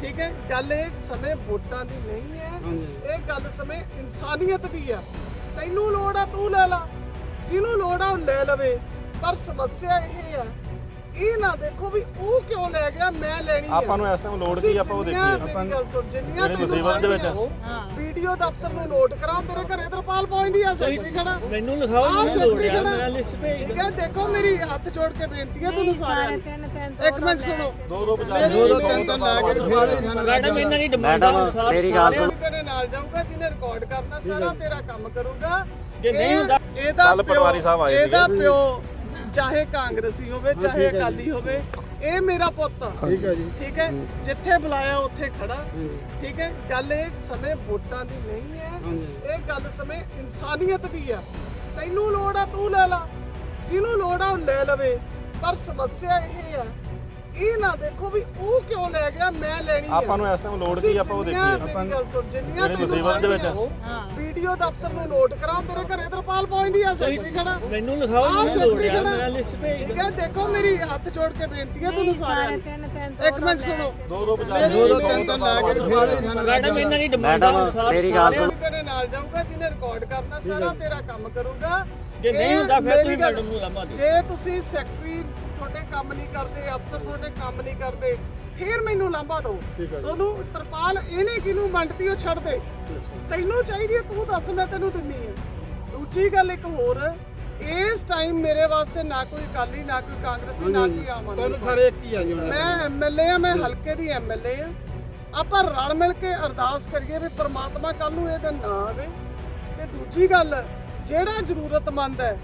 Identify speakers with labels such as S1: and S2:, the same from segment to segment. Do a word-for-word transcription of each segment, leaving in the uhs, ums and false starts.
S1: ठीक है गल एक समय वोटां दी नहीं है, ये गल समय इंसानियत दी है। तैनू लोड़ आ तू ले ला, जिन्हों लोड़ आ ले लवे, पर समस्या ये है ਇਹ ਨਾ ਦੇਖੋ ਵੀ ਉਹ ਕਿਉਂ ਲੈ ਗਿਆ ਮੈਂ ਲੈਣੀ ਹੈ।
S2: ਆਪਾਂ ਨੂੰ ਇਸ ਟਾਈਮ ਲੋੜ ਕੀ ਆਪਾਂ ਉਹ ਦੇਖੀਏ
S1: ਆਪਾਂ ਜਿੰਨੀਆਂ ਮੁਸੀਬਤ ਦੇ ਵਿੱਚ ਵੀਡੀਓ ਦਫ਼ਤਰ ਨੂੰ ਨੋਟ ਕਰਾਓ, ਤੇਰੇ ਘਰੇ ਤਰਪਾਲ ਪਹੁੰਚਦੀ ਆ, ਸੈਕਟਰੀ ਖੜਾ
S3: ਮੈਨੂੰ ਲਿਖਾਓ ਮੈਨੂੰ ਲੋੜ ਆ, ਮੈਂ ਲਿਸਟ ਭੇਜ
S1: ਠੀਕ ਹੈ। ਦੇਖੋ ਮੇਰੀ ਹੱਥ ਜੋੜ ਕੇ ਬੇਨਤੀ ਹੈ ਤੁਹਾਨੂੰ ਸਾਰਿਆਂ ਨੂੰ, ਇੱਕ ਮਿੰਟ ਸੁਣੋ।
S2: ਦੋ ਦੋ
S1: ਦੋ ਦੋ ਤਾਂ ਲਾ ਕੇ ਫਿਰ
S3: ਮੈਡਮ ਇਹਨਾਂ ਦੀ ਡਿਮਾਂਡ ਅਨੁਸਾਰ
S4: ਮੇਰੀ ਗੱਲ ਸੁਣ,
S1: ਤੇਰੇ ਨਾਲ ਜਾਊਗਾ, ਜਿਹਨੇ ਰਿਕਾਰਡ ਕਰਨਾ ਸਾਰਾ ਤੇਰਾ ਕੰਮ ਕਰੂਗਾ।
S3: ਜੇ ਨਹੀਂ ਹੁੰਦਾ
S1: ਇਹਦਾ
S2: ਪਟਵਾਰੀ ਸਾਹਿਬ ਆਏ
S1: ਇਹਦਾ ਪਿਓ ਚਾਹੇ ਕਾਂਗਰਸੀ ਹੋਵੇ ਚਾਹੇ ਅਕਾਲੀ ਹੋਵੇ, ਇਹ ਮੇਰਾ ਪੁੱਤ ਆ।
S5: ਠੀਕ ਹੈ ਜੀ,
S1: ਠੀਕ ਹੈ, ਜਿੱਥੇ ਬੁਲਾਇਆ ਉੱਥੇ ਖੜਾ। ਠੀਕ ਹੈ ਗੱਲ ਇਹ ਸਮੇਂ ਵੋਟਾਂ ਦੀ ਨਹੀਂ ਹੈ, ਇਹ ਗੱਲ ਸਮੇਂ ਇਨਸਾਨੀਅਤ ਦੀ ਆ। ਤੈਨੂੰ ਲੋੜ ਆ ਤੂੰ ਲੈ ਲਾ, ਜਿਹਨੂੰ ਲੋੜ ਆ ਉਹ ਲੈ ਲਵੇ, ਪਰ ਸਮੱਸਿਆ ਇਹ ਆ ਇਹ ਨਾ ਦੇਖੋ ਵੀ ਉਹ ਕਿਉਂ ਲੈ ਗਿਆ ਮੈਂ ਲੈਣੀ ਹੈ।
S2: ਆਪਾਂ ਨੂੰ ਇਸ ਟਾਈਮ ਲੋੜ ਕੀ ਆਪਾਂ ਉਹ ਦੇਖੀਏ
S1: ਆਪਾਂ ਜਿੰਨੀਆਂ
S2: ਮੁਸੀਬਤ ਦੇ ਵਿੱਚ
S1: ਵੀਡੀਓ ਦਫ਼ਤਰ ਨੂੰ ਨੋਟ ਕਰਾਓ, ਤੇਰੇ ਘਰੇ ਤਰਪਾਲ ਪਹੁੰਚਦੀ ਆ, ਸੈਕਟਰੀ ਖੜਾ।
S3: ਮੈਨੂੰ ਲਿਖਾਓ ਮੈਨੂੰ ਲੋੜ ਆ, ਮੈਂ ਲਿਸਟ ਭੇਜ
S1: ਠੀਕ ਹੈ। ਦੇਖੋ ਮੇਰੀ ਹੱਥ ਜੋੜ ਕੇ ਬੇਨਤੀ ਹੈ ਤੁਹਾਨੂੰ ਸਾਰਿਆਂ ਨੂੰ, ਇੱਕ ਮਿੰਟ ਸੁਣੋ।
S2: ਦੋ ਦੋ
S5: ਦੋ ਦੋ ਤਾਂ ਲਾ ਕੇ ਫਿਰ
S3: ਮੈਡਮ ਇਹਨਾਂ ਦੀ ਡਿਮਾਂਡ
S4: ਮੈਡਮ
S3: ਅਨੁਸਾਰ
S4: ਮੇਰੀ ਗੱਲ ਸੁਣ,
S1: ਤੇਰੇ ਨਾਲ ਜਾਊਗਾ, ਜਿਹਨੇ ਰਿਕਾਰਡ ਕਰਨਾ ਸਾਰਾ ਤੇਰਾ ਕੰਮ ਕਰੂਗਾ।
S3: ਜੇ ਨਹੀਂ
S1: ਇਹ
S3: ਹੁੰਦਾ ਫਿਰ
S1: ਮੇਰੀ
S3: ਤੁਸੀਂ
S1: ਗੱਲ-
S3: ਮੈਡਮ ਨੂੰ ਲਾਮਾ ਦਿਓ।
S1: ਜੇ ਤੁਸੀਂ ਸੈਕਟਰੀ ਤੁਹਾਡੇ ਕੰਮ ਨਹੀਂ ਕਰਦੇ, ਅਫਸਰ ਤੁਹਾਡੇ ਕੰਮ ਨਹੀਂ ਕਰਦੇ, ਫਿਰ ਮੈਨੂੰ ਲਾਂਭਾ ਦਿਓ। ਤੁਹਾਨੂੰ ਤਰਪਾਲ ਇਹਨੇ ਕਿਹਨੂੰ ਵੰਡਤੀ ਉਹ ਛੱਡ ਦੇ, ਤੈਨੂੰ ਚਾਹੀਦੀ ਹੈ ਤੂੰ ਦੱਸ, ਮੈਂ ਤੈਨੂੰ ਦਿੰਨੀ ਹੈ। ਦੂਜੀ ਗੱਲ ਇੱਕ ਹੋਰ, ਇਸ ਟਾਈਮ ਮੇਰੇ ਵਾਸਤੇ ਨਾ ਕੋਈ ਅਕਾਲੀ ਨਾ ਕੋਈ ਕਾਂਗਰਸੀ ਨਾ ਕੋਈ ਆਮ ਆਦਮੀ,
S5: ਤੁਹਾਨੂੰ ਸਾਰੇ ਇੱਕ ਹੀ ਆ ਜੀ ਹੁਣ।
S1: ਮੈਂ ਐਮਐਲਏ ਆ, ਮੈਂ ਹਲਕੇ ਦੀ ਐਮਐਲਏ ਆ। ਆਪਾਂ ਰਲ ਮਿਲ ਕੇ ਅਰਦਾਸ ਕਰੀਏ ਵੀ ਪ੍ਰਮਾਤਮਾ ਕੱਲ ਨੂੰ ਇਹ ਦਿਨ ਨਾ ਆਵੇ। ਤੇ ਦੂਜੀ ਗੱਲ, ਜਿਹੜਾ ਜ਼ਰੂਰਤਮੰਦ ਹੈ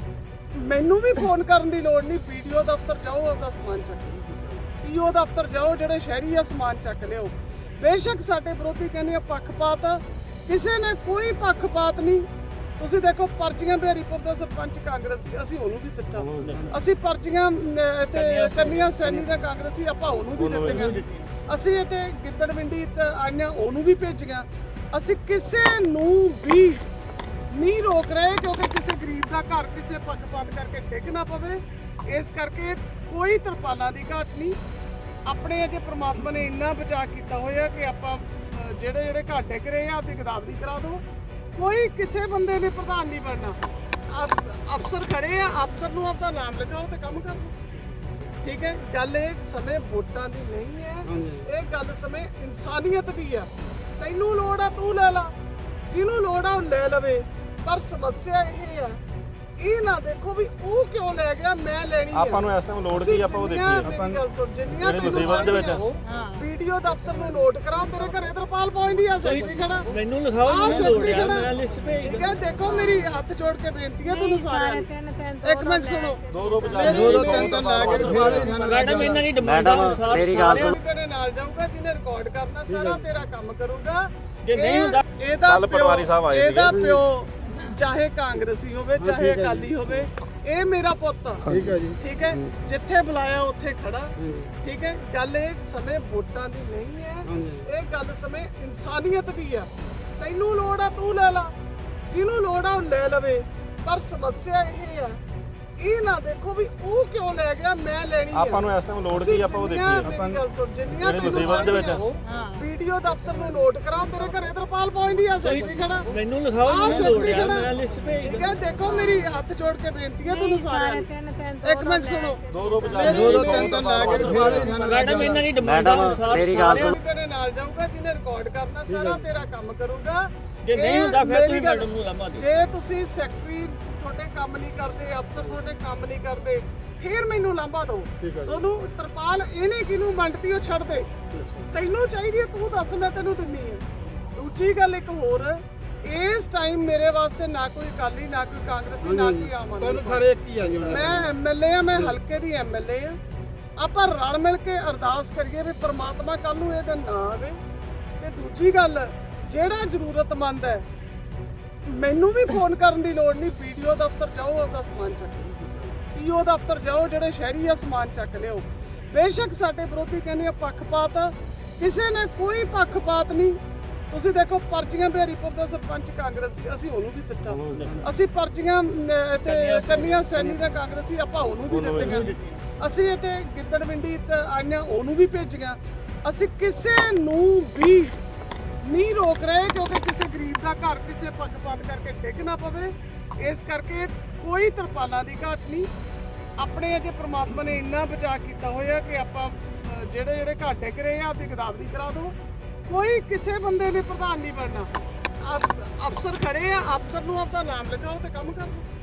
S1: ਮੈਨੂੰ ਵੀ ਫੋਨ ਕਰਨ ਦੀ ਲੋੜ ਨਹੀਂ, ਪੀਡੀਓ ਦਫ਼ਤਰ ਜਾਓ ਉਹਦਾ ਸਮਾਨ ਚੱਕ ਲਿਓ, ਪੀਓ ਦਫ਼ਤਰ ਜਾਓ, ਜਿਹੜੇ ਸ਼ਹਿਰੀ ਆ ਸਮਾਨ ਚੱਕ ਲਿਓ। ਬੇਸ਼ੱਕ ਸਾਡੇ ਵਿਰੋਧੀ ਕਹਿੰਦੇ ਆ ਪੱਖਪਾਤ, ਕਿਸੇ ਨੇ ਕੋਈ ਪੱਖਪਾਤ ਨਹੀਂ। ਤੁਸੀਂ ਦੇਖੋ ਪਰਚੀਆਂ ਬਿਹਾਰੀਪੁਰ ਦਾ ਸਰਪੰਚ ਕਾਂਗਰਸੀ, ਅਸੀਂ ਉਹਨੂੰ ਵੀ ਦਿੱਤਾ। ਅਸੀਂ ਪਰਚੀਆਂ ਇੱਥੇ ਕੰਨੀਆਂ ਸੈਣੀ ਦਾ ਕਾਂਗਰਸੀ, ਆਪਾਂ ਉਹਨੂੰ ਵੀ ਦਿੱਤੀਆਂ। ਅਸੀਂ ਇੱਥੇ ਗਿੱਦੜਵਿੰਡੀ ਆਈਆਂ, ਉਹਨੂੰ ਵੀ ਭੇਜੀਆਂ। ਅਸੀਂ ਕਿਸੇ ਨੂੰ ਵੀ ਨਹੀਂ ਰੋਕ ਰਹੇ, ਕਿਉਂਕਿ ਕਿਸੇ ਗਰੀਬ ਦਾ ਘਰ ਕਿਸੇ ਪੱਖਪਾਤ ਕਰਕੇ ਡਿੱਗ ਨਾ ਪਵੇ। ਇਸ ਕਰਕੇ ਕੋਈ ਤਰਪਾਲਾਂ ਦੀ ਘਾਟ ਨਹੀਂ। ਆਪਣੇ ਅਜੇ ਪ੍ਰਮਾਤਮਾ ਨੇ ਇੰਨਾ ਬਚਾਅ ਕੀਤਾ ਹੋਇਆ ਕਿ ਆਪਾਂ ਅ, ਜਿਹੜੇ ਜਿਹੜੇ ਘਰ ਡਿੱਗ ਰਹੇ ਆ ਆਪਦੀ ਗਦਾਵਰੀ ਕਰਾ ਦਿਓ। ਕੋਈ ਕਿਸੇ ਬੰਦੇ ਨੇ ਪ੍ਰਧਾਨ ਨਹੀਂ ਬਣਨਾ। ਅਫ- ਅਫਸਰ ਖੜੇ ਆ, ਅਫਸਰ ਨੂੰ ਆਪਦਾ ਨਾਮ ਲਿਖਾਓ ਤੇ ਕੰਮ ਕਰ ਲਓ। ਠੀਕ ਹੈ ਗੱਲ ਇਹ ਸਮੇਂ ਵੋਟਾਂ ਦੀ ਨਹੀਂ ਹੈ, ਇਹ ਗੱਲ ਸਮੇਂ ਇਨਸਾਨੀਅਤ ਦੀ ਆ। ਤੈਨੂੰ ਲੋੜ ਆ ਤੂੰ ਲੈ ਲਾ, ਜਿਹਨੂੰ ਲੋੜ ਆ ਉਹ ਲੈ ਲਵੇ, ਪਰ ਸਮੱਸਿਆ ਇਹ ਆ ਇਹ ਨਾ ਦੇਖੋ ਵੀ ਉਹ ਕਿਉਂ ਲੈ ਗਿਆ ਮੈਂ ਲੈਣੀ ਹੈ।
S2: ਆਪਾਂ ਨੂੰ ਇਸ ਟਾਈਮ ਲੋੜ ਕੀ ਆਪਾਂ ਉਹ ਦੇਖੀਏ
S1: ਆਪਾਂ ਜਿੰਨੀਆਂ
S2: ਮੁਸੀਬਤ ਦੇ ਵਿੱਚ
S1: ਵੀਡੀਓ ਦਫ਼ਤਰ ਨੂੰ ਨੋਟ ਕਰਾਓ, ਤੇਰੇ ਘਰੇ ਤਰਪਾਲ ਪਹੁੰਚਦੀ ਆ, ਸੈਕਟਰੀ ਖੜਾ।
S3: ਮੈਨੂੰ ਲਿਖਾਓ ਮੈਨੂੰ ਲੋੜ ਆ, ਮੈਂ ਲਿਸਟ ਭੇਜ
S1: ਠੀਕ ਹੈ। ਦੇਖੋ ਮੇਰੀ ਹੱਥ ਜੋੜ ਕੇ ਬੇਨਤੀ ਹੈ ਤੁਹਾਨੂੰ ਸਾਰਿਆਂ ਨੂੰ, ਇੱਕ ਮਿੰਟ ਸੁਣੋ।
S2: ਦੋ ਦੋ
S5: ਦੋ ਦੋ ਤਾਂ ਲਾ ਕੇ ਫਿਰ
S3: ਮੈਡਮ ਇਹਨਾਂ ਦੀ ਡਿਮਾਂਡ
S4: ਮੈਡਮ
S3: ਅਨੁਸਾਰ
S4: ਮੇਰੀ ਗੱਲ ਸੁਣ,
S1: ਤੇਰੇ ਨਾਲ ਜਾਊਗਾ, ਜਿਹਨੇ ਰਿਕਾਰਡ ਕਰਨਾ ਸਾਰਾ ਤੇਰਾ ਕੰਮ ਕਰੂਗਾ।
S3: ਜੇ ਨਹੀਂ ਹੁੰਦਾ
S1: ਇਹਦਾ
S2: ਪਟਵਾਰੀ ਸਾਹਿਬ ਆਏ
S1: ਇਹਦਾ ਪਿਓ ਚਾਹੇ ਕਾਂਗਰਸੀ ਹੋਵੇ ਚਾਹੇ ਅਕਾਲੀ ਹੋਵੇ, ਇਹ ਮੇਰਾ ਪੁੱਤ ਆ।
S5: ਠੀਕ ਹੈ ਜੀ,
S1: ਠੀਕ ਹੈ, ਜਿੱਥੇ ਬੁਲਾਇਆ ਉੱਥੇ ਖੜਾ। ਠੀਕ ਹੈ ਗੱਲ ਇਹ ਸਮੇਂ ਵੋਟਾਂ ਦੀ ਨਹੀਂ ਹੈ, ਇਹ ਗੱਲ ਸਮੇਂ ਇਨਸਾਨੀਅਤ ਦੀ ਆ। ਤੈਨੂੰ ਲੋੜ ਆ ਤੂੰ ਲੈ ਲਾ, ਜਿਹਨੂੰ ਲੋੜ ਆ ਉਹ ਲੈ ਲਵੇ, ਪਰ ਸਮੱਸਿਆ ਇਹ ਆ ਇਹ ਨਾ ਦੇਖੋ ਵੀ ਉਹ ਕਿਉਂ ਲੈ ਗਿਆ ਮੈਂ ਲੈਣੀ ਹੈ।
S2: ਆਪਾਂ ਨੂੰ ਇਸ ਟਾਈਮ ਲੋੜ ਕੀ ਆਪਾਂ ਉਹ ਦੇਖੀਏ
S1: ਜਿੰਨੀਆਂ
S2: ਮੁਸੀਬਤ ਦੇ ਵਿੱਚ
S1: ਵੀਡੀਓ ਦਫ਼ਤਰ ਨੂੰ ਨੋਟ ਕਰਾਓ, ਤੇਰੇ ਘਰੇ ਤਰਪਾਲ ਪਹੁੰਚਦੀ ਆ, ਸੈਕਟਰੀ ਖੜਾ।
S3: ਮੈਨੂੰ ਲਿਖਾਓ ਮੈਨੂੰ ਲੋੜ ਆ, ਮੈਂ ਲਿਸਟ ਭੇਜ
S1: ਠੀਕ ਹੈ। ਦੇਖੋ ਮੇਰੀ ਹੱਥ ਜੋੜ ਕੇ ਬੇਨਤੀ ਹੈ ਤੁਹਾਨੂੰ ਸਾਰਿਆਂ ਨੂੰ, ਇੱਕ ਮਿੰਟ ਸੁਣੋ।
S2: ਦੋ ਦੋ
S5: ਦੋ ਦੋ ਤਾਂ ਲਾ ਕੇ ਫਿਰ
S3: ਮੈਡਮ ਇਹਨਾਂ ਦੀ ਡਿਮਾਂਡ
S4: ਮੈਡਮ
S3: ਅਨੁਸਾਰ
S4: ਮੇਰੀ ਗੱਲ ਸੁਣ,
S1: ਤੇਰੇ ਨਾਲ ਜਾਊਗਾ, ਜਿਹਨੇ ਰਿਕਾਰਡ ਕਰਨਾ ਸਾਰਾ ਤੇਰਾ ਕੰਮ ਕਰੂਗਾ।
S3: ਜੇ ਨਹੀਂ
S1: ਇਹ
S3: ਹੁੰਦਾ ਫਿਰ
S1: ਮੇਰੀ
S3: ਤੁਸੀਂ
S1: ਗੱਲ-
S3: ਮੈਡਮ ਨੂੰ ਲਾਮਾ ਦਿਓ।
S1: ਜੇ ਤੁਸੀਂ ਸੈਕਟਰੀ ਤੁਹਾਡੇ ਕੰਮ ਨਹੀਂ ਕਰਦੇ, ਅਫਸਰ ਤੁਹਾਡੇ ਕੰਮ ਨਹੀਂ ਕਰਦੇ, ਫਿਰ ਮੈਨੂੰ ਲਾਂਭਾ ਦਿਓ। ਤੁਹਾਨੂੰ ਤਰਪਾਲ ਇਹਨੇ ਕਿਹਨੂੰ ਵੰਡਤੀ ਉਹ ਛੱਡ ਦੇ, ਤੈਨੂੰ ਚਾਹੀਦੀ ਹੈ ਤੂੰ ਦੱਸ, ਮੈਂ ਤੈਨੂੰ ਦਿੰਨੀ ਹੈ। ਦੂਜੀ ਗੱਲ ਇੱਕ ਹੋਰ, ਇਸ ਟਾਈਮ ਮੇਰੇ ਵਾਸਤੇ ਨਾ ਕੋਈ ਅਕਾਲੀ ਨਾ ਕੋਈ ਕਾਂਗਰਸੀ ਨਾ ਕੋਈ ਆਮ ਆਦਮੀ,
S5: ਤੁਹਾਨੂੰ ਸਾਰੇ ਇੱਕ ਹੀ ਆ ਜੀ ਹੁਣ।
S1: ਮੈਂ ਐਮਐਲਏ ਆ, ਮੈਂ ਹਲਕੇ ਦੀ ਐਮਐਲਏ ਆ। ਆਪਾਂ ਰਲ ਮਿਲ ਕੇ ਅਰਦਾਸ ਕਰੀਏ ਵੀ ਪ੍ਰਮਾਤਮਾ ਕੱਲ ਨੂੰ ਇਹ ਦਿਨ ਨਾ ਆਵੇ। ਤੇ ਦੂਜੀ ਗੱਲ, ਜਿਹੜਾ ਜ਼ਰੂਰਤਮੰਦ ਹੈ ਮੈਨੂੰ ਵੀ ਫੋਨ ਕਰਨ ਦੀ ਲੋੜ ਨਹੀਂ, ਪੀਡੀਓ ਦਫ਼ਤਰ ਜਾਓ ਉਹਦਾ ਸਮਾਨ ਚੱਕ ਲਿਓ, ਪੀਓ ਦਫ਼ਤਰ ਜਾਓ, ਜਿਹੜੇ ਸ਼ਹਿਰੀ ਆ ਸਮਾਨ ਚੱਕ ਲਿਓ। ਬੇਸ਼ੱਕ ਸਾਡੇ ਵਿਰੋਧੀ ਕਹਿੰਦੇ ਆ ਪੱਖਪਾਤ, ਕਿਸੇ ਨੇ ਕੋਈ ਪੱਖਪਾਤ ਨਹੀਂ। ਤੁਸੀਂ ਦੇਖੋ ਪਰਚੀਆਂ ਬਿਹਾਰੀਪੁਰ ਦਾ ਸਰਪੰਚ ਕਾਂਗਰਸੀ, ਅਸੀਂ ਉਹਨੂੰ ਵੀ ਦਿੱਤਾ। ਅਸੀਂ ਪਰਚੀਆਂ ਇੱਥੇ ਕੰਨੀਆਂ ਸੈਣੀ ਦਾ ਕਾਂਗਰਸੀ, ਆਪਾਂ ਉਹਨੂੰ ਵੀ ਦਿੱਤੀਆਂ। ਅਸੀਂ ਇੱਥੇ ਗਿੱਦੜਵਿੰਡੀ ਆਈਆਂ, ਉਹਨੂੰ ਵੀ ਭੇਜੀਆਂ। ਅਸੀਂ ਕਿਸੇ ਨੂੰ ਵੀ ਨਹੀਂ ਰੋਕ ਰਹੇ, ਕਿਉਂਕਿ ਕਿਸੇ ਗਰੀਬ ਦਾ ਘਰ ਕਿਸੇ ਪੱਖਪਾਤ ਕਰਕੇ ਡਿੱਗ ਨਾ ਪਵੇ। ਇਸ ਕਰਕੇ ਕੋਈ ਤਰਪਾਲਾਂ ਦੀ ਘਾਟ ਨਹੀਂ। ਆਪਣੇ ਅਜੇ ਪ੍ਰਮਾਤਮਾ ਨੇ ਇੰਨਾ ਬਚਾਅ ਕੀਤਾ ਹੋਇਆ ਕਿ ਆਪਾਂ ਅ, ਜਿਹੜੇ ਜਿਹੜੇ ਘਰ ਡਿੱਗ ਰਹੇ ਆ ਆਪਦੀ ਗਦਾਵਰੀ ਕਰਾ ਦਿਓ। ਕੋਈ ਕਿਸੇ ਬੰਦੇ ਨੇ ਪ੍ਰਧਾਨ ਨਹੀਂ ਬਣਨਾ। ਅਫ- ਅਫਸਰ ਖੜੇ ਆ, ਅਫਸਰ ਨੂੰ ਆਪਦਾ ਨਾਮ ਲਿਖਾਓ ਤੇ ਕੰਮ ਕਰ ਦਿਓ।